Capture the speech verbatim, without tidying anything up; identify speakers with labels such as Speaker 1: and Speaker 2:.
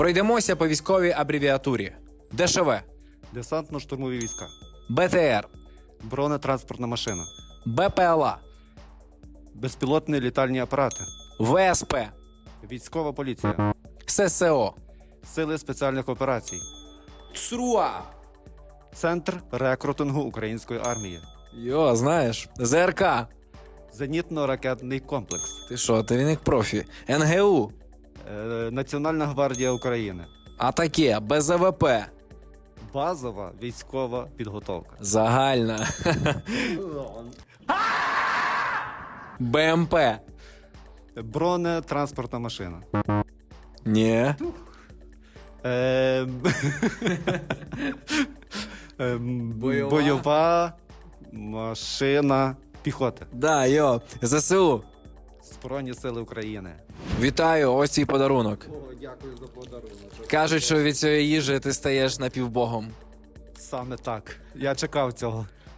Speaker 1: Пройдемося по військовій абревіатурі. ДШВ,
Speaker 2: Десантно-штурмові війська.
Speaker 1: БТР,
Speaker 2: Бронетранспортна машина.
Speaker 1: БПЛА,
Speaker 2: Безпілотні літальні апарати.
Speaker 1: ВСП,
Speaker 2: Військова поліція.
Speaker 1: ССО,
Speaker 2: Сили спеціальних операцій.
Speaker 1: ЦРУА.
Speaker 2: Центр рекрутингу української армії.
Speaker 1: Йо, знаєш, ЗРК.
Speaker 2: Зенітно-ракетний комплекс.
Speaker 1: Ти що, ти він як профі. НГУ,
Speaker 2: Е, Національна гвардія України.
Speaker 1: Атаке, БЗВП,
Speaker 2: Базова військова підготовка.
Speaker 1: загальна. БМП.
Speaker 2: Бронетранспортна машина.
Speaker 1: Ні.
Speaker 2: Е, ем,
Speaker 1: Бойова.
Speaker 2: Бойова машина піхоти.
Speaker 1: Да, йо, ЗСУ.
Speaker 2: Збройні сили України.
Speaker 1: Вітаю, ось твій подарунок.
Speaker 2: О, дякую за подарунок.
Speaker 1: Кажуть, що від цієї їжі ти стаєш напівбогом.
Speaker 2: Саме так. Я чекав цього.